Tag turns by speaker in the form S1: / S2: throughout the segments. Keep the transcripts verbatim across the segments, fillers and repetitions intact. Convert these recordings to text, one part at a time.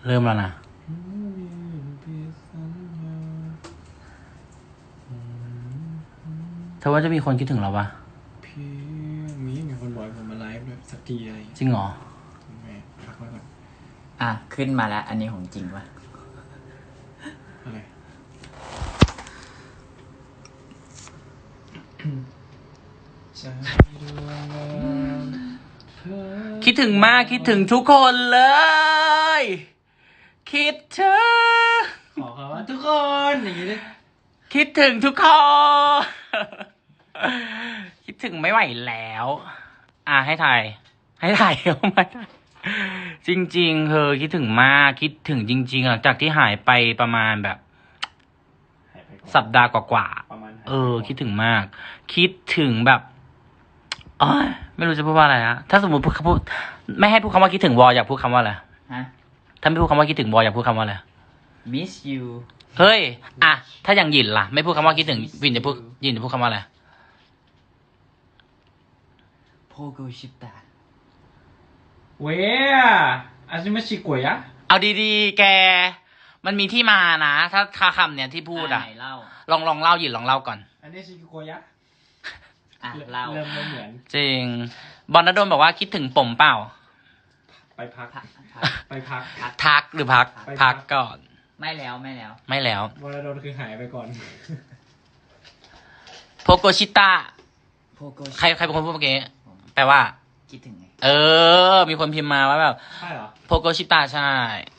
S1: เริ่มแล้วนะเธอว่าจะมีคนคิดถึงเราปะ
S2: พี่มีมีคนบอกผมมาไลฟ์ด้วยสักทีอะไร
S1: จริงเหรอ
S2: แม่พักไว้ก่อน
S3: อ่ะขึ้นมาแล้วอันนี้ของจริงปะ
S2: อะไร
S1: คิดถึงมากคิดถึงทุกคนเลยคิดถึง
S2: ขอคำว่าทุกคนอย่างนี้เลย
S1: คิดถึงทุกคนคิดถึงไม่ไหวแล้วอ่ะให้ถ่ายให้ถ่ายเอามาจริงๆเธอคิดถึงมากคิดถึงจริงๆหลังจากที่หายไปประมาณแบบสัปดาห์กว่าๆเออคิดถึงมากคิดถึงแบบอ๋อไม่รู้จะพูดว่าอะไรนะถ้าสมมติพูดพูดไม่ให้พูดคำว่าคิดถึงวออยากพูดคำว่าอะไร
S3: ฮะ
S1: ถ้าไม่พูดคำว่าคิดถึงวออยากพูดคำว่าอะไร
S3: miss you
S1: เฮ้ยอ่ะถ้าอย่างหยินล่ะไม่พูดคำว่าคิดถึงวินจะพูดยินจะพูดคำว่าอะไร
S3: โพโกชิตะ
S2: เว้ยอาชิมาชิโกยะ
S1: เอาดีๆแกมันมีที่มานะถ้าถ้าคำเนี่ยที่พูดอ่ะลองลองเล่าหยินลองเล่าก่อน
S2: อันนี้ชิโกยะ
S3: อ่ะเล่า
S2: เริ่มไม่เหมือน
S1: จริงบอลนดลบอกว่าคิดถึงผมเปล่า
S2: ไปพักไปพัก
S1: ทักหรือพักพักก่อน
S3: ไม่แล้วไม่แล้ว
S1: ไม่แล้ว
S2: บอลนดลคือหายไปก่อน
S1: โพโกชิตะใครใครเป็นคนพูดเมื่อกี้แปลว่า
S3: คิดถึงไง
S1: เออมีคนพิมพ์มาว่าแบบ
S2: ใช่เหรอ
S1: โพโกชิตะใช่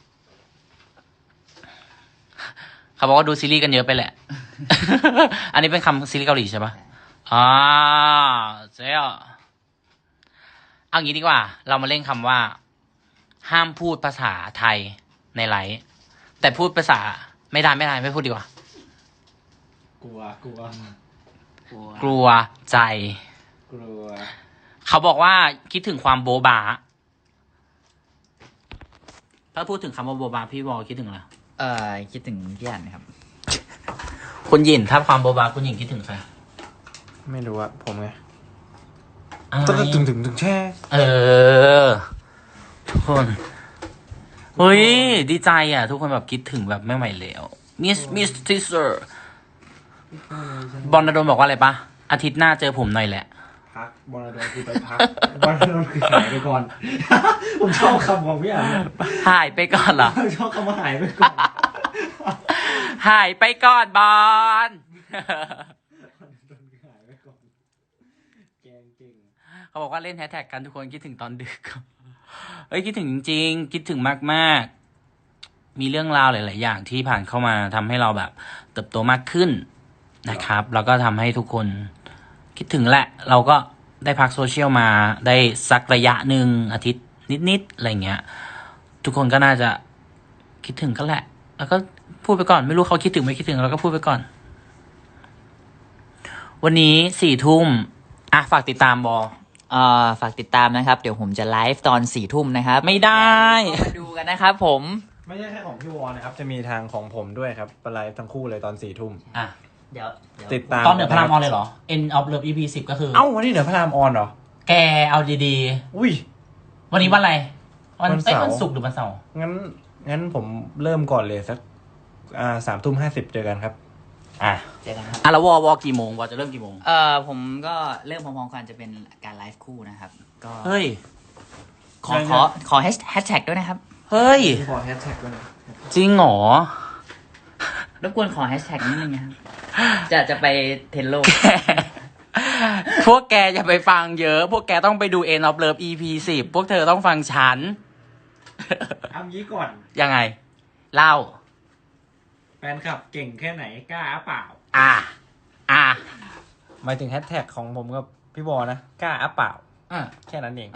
S1: เขาบอกว่าดูซีรีส์กันเยอะไปแหละ อันนี้เป็นคำซีรีส์เกาหลีใช่ปะอ่าเจ๊อ่ะเอางี้ดีกว่าเรามาเล่นคำว่าห้ามพูดภาษาไทยในไลฟ์แต่พูดภาษาไม่ได้ไม่ได้ไม่พูดดีกว่าก
S2: ลัวกลัว
S1: กลัวใจ
S2: กลัว
S1: เขาบอกว่าคิดถึงความโบบาถ้าพูดถึงคำว่าโบบาพี่วอลคิดถึงอะไร
S3: เอ่อคิดถึงพี่อันครับ
S1: คุณหยินถ้าความโบบาคุณหยินคิดถึงใคร
S2: ไม่รู้อะผมไง
S1: ต้
S2: องถึงถึงถึงแช่
S1: เออทุกคนเฮ้ยดีใจอ่ะทุกคนแบบคิดถึงแบบไม่ไหวแล้วมิสมิสทิเซอร์บอลนดลบอกว่าอะไรปะอาทิตย์หน้าเจอผมหน่อยแหละ
S2: พักบอลนดลคือไปพักบอลนดลคือหายไปก่อนผมชอบคำของพี่อ่ะ
S1: หายไปก่อนเหรอ
S2: ชอบคำว่าหายไปก่อน
S1: หายไปก่อนบอลเขาบอกว่าเล่นแฮชแท็กกันทุกคนคิดถึงตอนดึกเอ้ยคิดถึงจริงๆคิดถึงมากๆมีเรื่องราวหลายๆอย่างที่ผ่านเข้ามาทำให้เราแบบเติบโตมากขึ้นนะครับแล้วก็ทำให้ทุกคนคิดถึงแหละเราก็ได้พักโซเชียลมาได้สักระยะหนึ่งอาทิตย์นิดๆอะไรเงี้ยทุกคนก็น่าจะคิดถึงกันแหละแล้วก็พูดไปก่อนไม่รู้เขาคิดถึงไม่คิดถึงเราก็พูดไปก่อนวันนี้สี่ทุ่มอ่ะฝากติดตามบอ
S3: เอ่อฝากติดตามนะครับเดี๋ยวผมจะไลฟ์ตอนสี่ทุ่มนะครับ
S1: ไม่ได้
S3: มาดูกันนะครับผม
S2: ไม่ใช่แค่ของพี่วอนะครับจะมีทางของผมด้วยครับไปไลฟ์ทั้งคู่เลยตอนสี่ทุ่ม
S1: อ่ะ
S3: เดี๋ยว
S2: ติดตาม
S1: ตอนเหนือพระรามออนเลยเหรอ End of Love อี พี สิบก็คือ
S2: เอ้าวันนี้เหนือพระรามออนเหรอ
S1: แกเอาดี
S2: ๆอุ้ย
S1: วันนี้วันอะไรวันเสาร์วันศุกร์หรือวันเสาร์
S2: งั้นงั้นผมเริ่มก่อนเลยสักอ่าสามทุ่มห้าสิบเจอกันครับ
S1: อ่ะเจอกันครับอ่ะแล้ววอวอกี่โมงวอจะเริ่มกี่โมง
S3: เอ่อผมก็เริ่มพร้อมๆกันจะเป็นการไลฟ์คู่นะครับก็
S1: เฮ้ย
S3: ขอขอขอแฮชแท็กด้วยนะครับ
S1: เฮ้ย
S2: ขอแฮชแท็กด้วยนะ
S1: จริงเหรอ
S3: รบกวนขอแฮชแท็กนิดนึงนะครับจะจะไปเทรนโลก
S1: พวกแกอย่าไปฟังเยอะพวกแกต้องไปดู End of Love อี พี สิบพวกเธอต้องฟังฉัน
S2: เอางี้ก่อน
S1: ยังไงเล่า
S2: แฟนคลับเก่งแค่ไหนกล้าเปล่า
S1: อ่ะอ่ะ
S2: หมายถึงแฮชแท็กของผมกับพี่บอนะกล้าเปล่า
S1: อ่ะ
S2: แค่นั้นเอง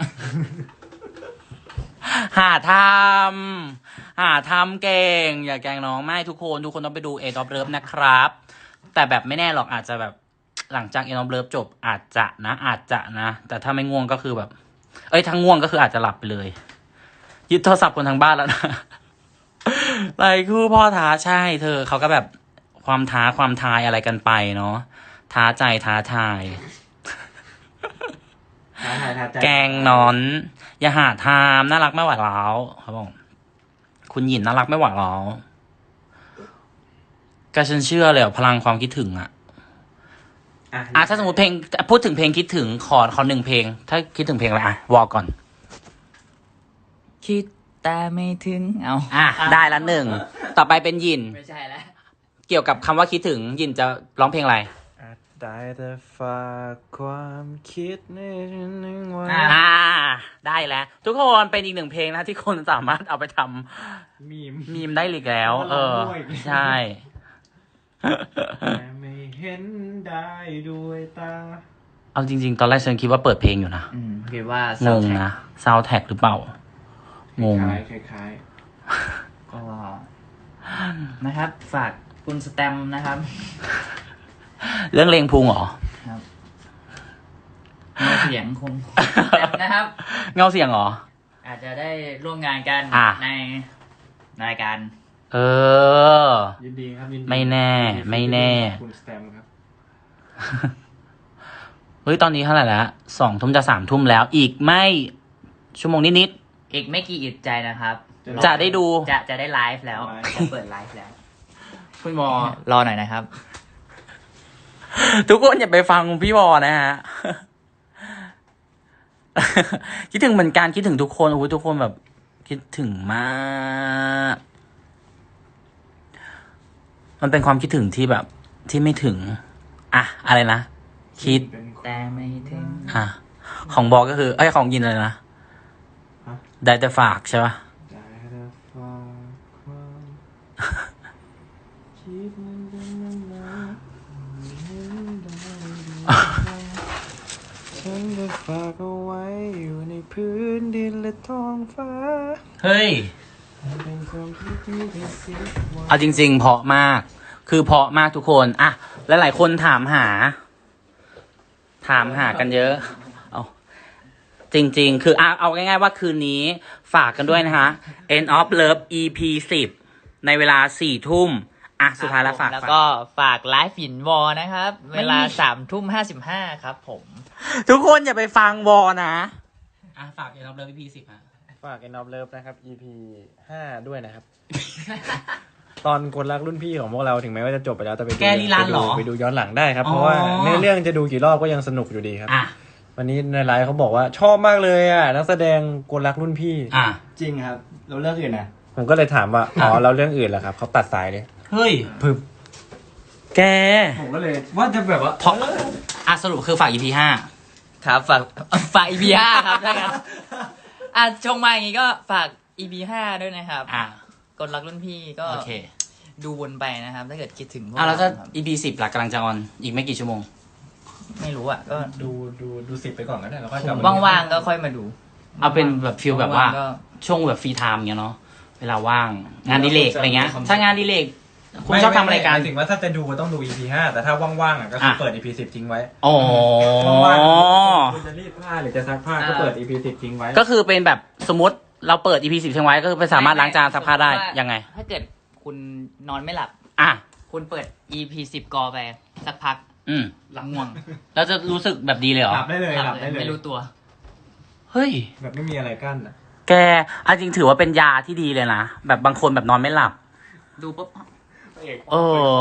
S1: หาทำหาทำเก่งอย่าแกล้งน้องไม่ทุกคนทุกคนต้องไปดู End of Love นะครับแต่แบบไม่แน่หรอกอาจจะแบบหลังจาก End of Love จบอาจจะนะอาจจะนะแต่ถ้าไม่ง่วงก็คือแบบเอ้ยถ้าง่วงก็คืออาจจะหลับไปเลยยึดโทรศัพท์คนทางบ้านแล้วนะไรคู่พ่อท้าใช่เธอเขาก็แบบความท้าความทายอะไรกันไปเนาะท้าใจท้าทายแกงนอนอย่าหาทามน่ารักไม่ไหวแล้วเขาบอกคุณหยินน่ารักไม่ไหวหรอก็ฉันเชื่อเลยพลังความคิดถึงอะอ่ะถ้าสมมติเพลงพูดถึงเพลงคิดถึงขอขอหนึ่งเพลง ถ้าคิดถึงเพลงอะไรอ่ะวอลก่อน
S3: คิดแต่ไม่ถึงเอา
S1: อ่ะได้ละหนึ่งต่อไปเป็นหยิน
S3: ไม่ใช่แล้ว
S1: เกี่ยวกับคำว่าคิดถึงหยินจะร้องเพลงอะไร
S2: อาจได้แต่ฝากความคิดในหนึ่งวัน
S1: อ่า ได้แล้ว ทุกคนเป็นอีกหนึ่งเพลงนะที่คนสามารถเอาไปท
S2: มีม
S1: ำมีมได้อีกแล้ว เออ ใช่
S2: แต่ไม่เห็นได้ด้วยตา
S1: เอาจริง ๆ ตอนแรกฉันคิดว่าเปิดเพลงอยู่นะ
S3: อืมคิดว่าง
S1: งนะซาวแท็กหรือเปล่า งง
S2: คล้ายคล้ายคล้าย
S3: ก็นะครับ ฝากคุณสแตมป์นะครับ
S1: เรื่องเลงพุงเหรอ
S3: ครับเงาเสียงคงสแตมป์นะครับ
S1: เงาเสียงเหรอ
S3: อาจจะได้ร่วมงานกัน
S1: อ่ะ
S3: ในรายการ
S1: เออ
S2: ยินดีครับยินดี
S1: ไม่แน่ ไม่แน่
S2: คุณสแตมป์ครับ
S1: เฮ้ย ตอนนี้เท่าไหร่แล้วสองทุ่มจะสามทุ่มแล้ว อีกไม่ชั่วโมงนิด
S3: อีกไม่กี่อึดใจนะครับ
S1: ๆ จะได้ดู
S3: จะจะได้ไลฟ์แล้ว
S2: ไลฟ์
S3: จะเปิดไลฟ์แล้ว
S1: คุณวอ
S3: รอหน่อยนะครับ
S1: ทุกคนอย่าไปฟังพี่วอนะฮะ คิดถึงเหมือนกันคิดถึงทุกคนโอ้ยทุกคนแบบ คิดถึงมาก มันเป็นความคิดถึงที่แบบ ที่ไม่ถึง อ่ะ อะไรนะ คิด
S2: เป็นคน
S3: แต่ไม่ถึง
S1: อ่ะ ของบอกก็คือ เอ้ย ของยินเลยนะ
S2: ฮะ
S1: ได้แต่ฝากใช่ปะ
S2: ได้แต่ฝากความคิดมันเป็นยังไงไม่เห็นได้ด้วยตาฉันได้ฝากเอาไว้อยู่ในพื้นดินและท้องฟ้า
S1: เฮ้ย
S2: เป็นความคิดที่พิเศษไว้
S1: เอาจริง ๆ เพราะมาก คือเพราะมากทุกคน อ่ะ หลายๆคนถามหา ถามหากันเยอะ เอาจริง ๆ คือเอาเอาง่าย ๆ ว่าคืนนี้ฝากกันด้วยนะคะ End of Love อี พี สิบ ในเวลาสี่ทุ่ม อ่ะ สุดท้ายแล้วฝาก
S3: แล้ว
S1: ฝาก
S3: ก็ฝากไลฟ์ฝินวอนะครับ
S1: ไม่
S3: เวลาสามทุ่มห้าสิบห้าครับผม
S1: ทุกคนอย่าไปฟังวอนะ อ่ะ ฝาก End of Love อี พี สิบ ฮะ
S2: ฝาก End of Love นะครับ อี พี ห้าด้วยนะครับ ตอนคนรักรุ่นพี่ของพวกเราถึงแม้ว่าจะจบไปแล้วแต่ไปดู
S1: แกลีลาเหรอ
S2: ไปดูไปดูย้อนหลังได้ครับ
S1: อ๋อ
S2: เพราะว่าเนื้อเรื่องจะดูกี่รอบก็ยังสนุกอยู่ดีครับ
S1: อ่ะ
S2: วันนี้ในไลฟ์เขาบอกว่าชอบมากเลยอ่ะนักแสดงคนรักรุ่นพี่
S1: อ่ะ
S4: จริงครับแล้วเรื่องอื่นนะ
S2: ผมก็เลยถามว่า อ๋อแล้วเรื่องอื่นล่ะครับเขาตัดสายเลย
S1: เฮ้ย
S2: พึบ
S1: แก
S4: ผมก็เลยว่าจะแบบว่า
S1: เพราะอ่ะสรุปคือฝาก อี พี ห้า
S3: ครับฝากฝาก อี พี ห้าครับได้ครับอ่ะชงมาอย่างงี้ก็ฝาก อี พี ห้าด้วยนะครับ
S1: อ่ะ
S3: กดรักรุ่นพี่ก็
S1: โอเค
S3: ดูวนไปนะครับ ถ้าเกิดคิดถึงพวก
S1: อ่ะแล้วถ้า
S3: ครับ
S1: อี พี สิบหลักกำลังจะออน อีกไม่กี่ชั่วโมง
S3: ไม่รู้อ่ะก็
S2: ดูดูดูสิบไปก่อนก็ได้แล้วค่อยกลับมา
S3: ว่างๆก็ค่อยมาดู
S1: เอาเป็นแบบฟิลแบบว่า
S3: งๆก็
S1: ช่วงแบบฟรีไทม์เงี้ยเนาะ เวลาว่าง งานอดิเลกอะไรเงี้ย ถ้างานอดิเลกคุณชอบทำอะไรกัน
S2: หมายถึงว่าถ้าจะดูก็ต้องดู อี พี ห้าแต่ถ้าว่างๆอ่ะก็คือ
S1: อ่ะ
S2: เปิด อี พี สิบทิ้งไว้
S1: อ๋อ
S2: ว่างๆคุณจะรีดผ้าหรือจะซักผ้าก็เปิด อี พี สิบทิ้งไว้
S1: ก็คือเป็นแบบสมมติเราเปิด อี พี สิบทิ้งไว้ก็คือไปสามารถล้างจานซักผ้าได้
S3: สมมุติว่า
S1: ยังไง
S3: ถ้าเกิดคุณนอนไม่หลับ
S1: อ่ะ
S3: คุณเปิด อี พี สิบกอไปสักพัก
S1: อืม
S3: หลับง่วง
S1: แล้วจะรู้สึกแบบดีเลยเหรอ
S2: หลับได้เลยหลับได้เลย
S3: ไม่รู้ตัว
S1: เฮ้ย
S2: แบบไม่มีอะไรกั้นอ่ะ
S1: แกเอาจริงถือว่าเป็นยาที่ดีเลยนะ แบบบางคนแบบนอนไม่หลับ
S3: ดูปุ๊บ
S1: เออ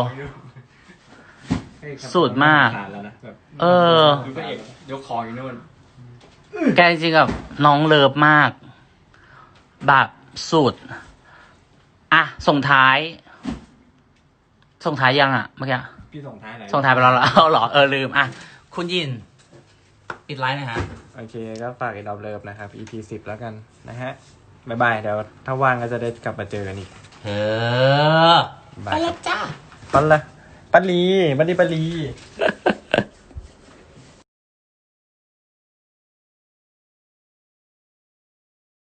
S1: สุดมาก
S2: แล้วนะแบบ
S1: เออ
S4: ดูพระเอกยกของอยู่นู่น
S1: แกจริงๆกับน้องเลิฟมาก แบบสุด อ่ะ ส่งท้าย ส่งท้ายยังอ่ะเมื่อกี้
S2: พี่ส่งท้ายไหน
S1: ส่งท้ายไปแล้วเหรอเอาเหรอ เออ ลืม อ่ะ คุณยิน ปิดไลน์หนะฮะ
S2: โอเคก็ฝาก End of Love นะครับ อี พี สิบแล้วกันนะฮะบ๊ายบายเดี๋ยวถ้าว่างก็จะได้กลับมาเจอกันอีก
S1: เออ
S2: บ๊ายบายไปแล้วจ้าปันละปันลีปันลีปันลี